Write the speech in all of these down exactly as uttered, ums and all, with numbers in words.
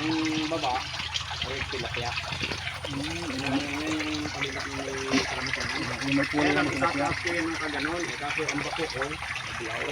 Ang baba, ay tilapia. Hmm, yung palilat ng karamihan. Yung may puno ng tilapia. Kaya nagtataas ko yun ng kaganon. Eh, kaso ang bako ko, bilaw.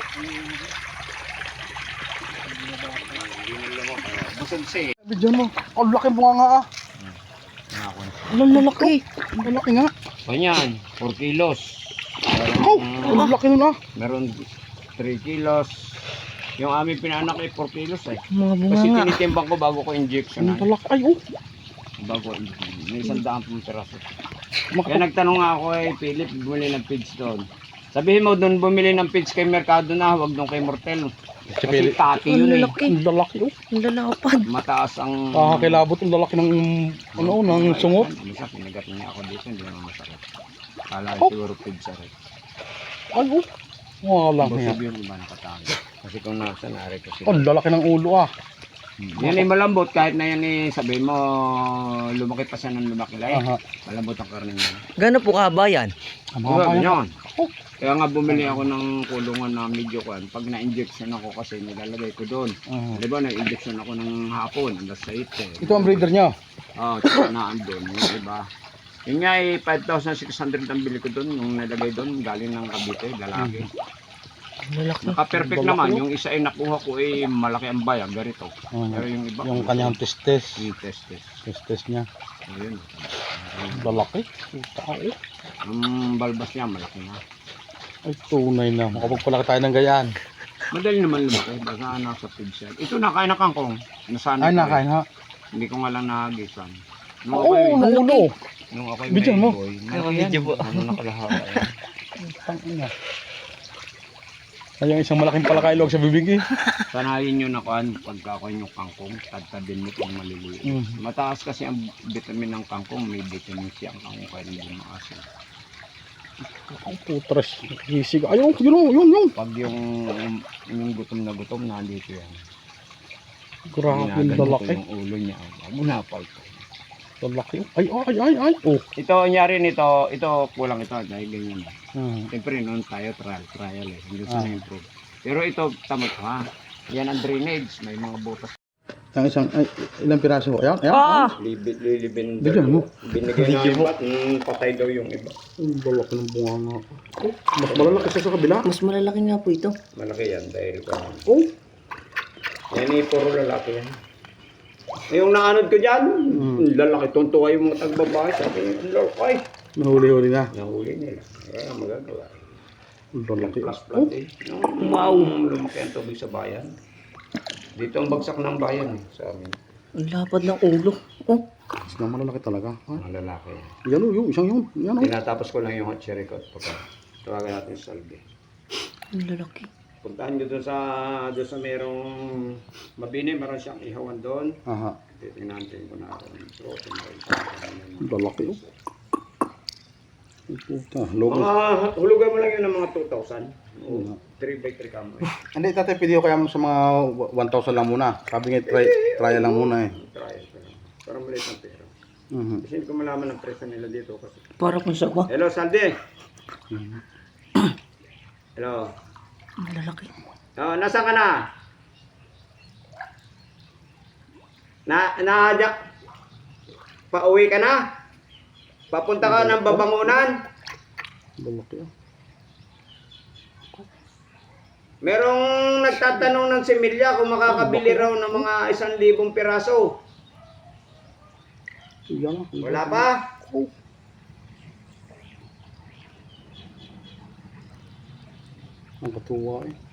Hindi na lang ako. Busog siya eh. Bidyan mo. Ang laki bunga nga ah. Ang lalaki. Ang lalaki nga. Ganyan, four kilos. Oh, ang laki nun ah. Meron three kilos. Yung aming pinanak ay four kilos eh. Mga bunga Kasi nga. tinitimbang ko bago ko injection. Ang lalaki. Ay oh. Bago injection. May isang daan pong piraso. Kaya Makapag... nagtanong nga ako eh, Philip, bumili ng feeds doon. Sabihin mo doon bumili ng feeds kay Mercado na, huwag doon kay Mortel. Kasi taki Ang yun eh. lalaki. Ang lalaki oh. Ang lalapad. Mataas ang... Kakakilabot ang lalaki ng ano, ng sungot. Misa, pinagat niya ako dito, hindi naman masakit. Kala Oh. siguro feeds sa rin. Ay oh. Mga lang nga. Busog yung iba nakatago. Kasi kung nasa nari ko sila. Ang lalaki ng ulo ah. Yan ay malambot kahit na yan eh, sabihin mo lumaki pa siya ng lumaki lang. Aha. Malambot ang karne niya. Gano'n po kaba yan? Ang Oo, mga kaya. ganyan. Kaya nga bumili ako ng kulungan na medyo kan. Pag na-injection ako kasi nilalagay ko doon. Aha. Di ba na-injection ako ng hapon, alas eight eh. Ito ang breeder niya. Oo, oh, na andun, yung iba. Yun nga eh, five thousand six hundred ang bili ko doon, yung nalagay doon, galing ng Cavite, lalaki. Ang lalaki. Naka-perfect Balak naman, yun. yung isa ay nakuha ko eh, malaki ang bayag, ganito. Aha. Pero yung iba, Yung kanyang testes. yung test test. Testes niya. Ayun. Ang lalaki. Tao. Ang balbas niya, malaki na. Ay tunay na. Makapagpalaki tayo ng gayaan. Madali naman lumaki, basta nasa feed shell. Ito nakain na kangkong. Nasana Ay ko eh. nakain ha. Hindi ko nga lang nahagisan. Nung Oo, ako, ng ulo. nung ako Bidyan mo. boy, Ay, malaki video yan. po. Ano nakalahaba yan. Tangina. Ay yung isang malaking palakailog sa bibig eh. Sanayin nyo na kuhan pagka kuhan yung kangkong, tadtadin mo kung maliliit. Mm. Mataas kasi ang vitamin ng kangkong, may vitamin C ang kangkong kaya hindi maasin. Ang putres. Nakikisig. Ay yun, yun, yun, yun. Pag yung, yung gutom na gutom, nandito yan. Grabe yung Ginaganito lalaki. yung ulo niya. Munapal ko. Lalaki. Ay, ay, ay, ay. Oh. Ito, nyari nito, ito kulang ito dahil ganyan. Hmm. Siyempre noon tayo trial, trial eh. Hindi Ah. sa improve. Pero ito, tamot ha. Yan ang drainage, may mga butas. Ang isang, ay, ilang piraso? Ayan, ayan. Ah! Libid, lilibin. Bigyan mo. Binigay na yung bat, mm, patay daw yung iba. Ang lalaki ng bunga nga. Oh, mas malalaki siya sa kabila. Mas malalaki nga po ito. Malaki yan dahil ko. Oh. Yan eh, puro lalaki yan. Eh, yung naanod ko dyan, Hmm. lalaki, tuntua yung mga tagbabae. Sabi, ang lalaki. Nahuli-huli na. Nahuli nila. Kaya magagawa. Ang lalaki. Plus Oh. plant eh. Yung wow, lumaki ang tubig sa bayan. Dito ang bagsak ng bayan eh, sa amin. Ang lapad ng ulo. Oh. Mas na malalaki talaga. Ha? Mga lalaki. Yan o, yung isang yun. Yan o. Tinatapos ko lang yung hot cherry coat. Pagka tawagan natin sa salve. Ang lalaki. Puntahan nyo doon sa, doon sa merong mabini, meron siyang ihawan doon. Aha. Titingnan natin kung naroon. Protein oil. Ang lalaki o. Ang puta. Logo. Mga, hulugan mo lang yun ng mga two thousand. Oo. three by three kamo eh. Hindi, tatay, pwede ko kaya mo sa mga one thousand lang muna. Sabi nga, try, try lang muna eh. Try ko lang. Parang maliit ng pera. Mhm. Kasi hindi ko malaman ang presyo nila dito. Kasi. Para kung sa ba? Hello, Saldi. Mhm. Hello. Ang lalaki. Oh, nasaan ka na? Na, na, pauwi ka na? Papunta ka ng Babangunan? Lalaki o. Merong nagtatanong ng similya kung makakabili raw ng mga isang libong piraso. Yan o. Wala pa? Oh. Ang katuwa eh.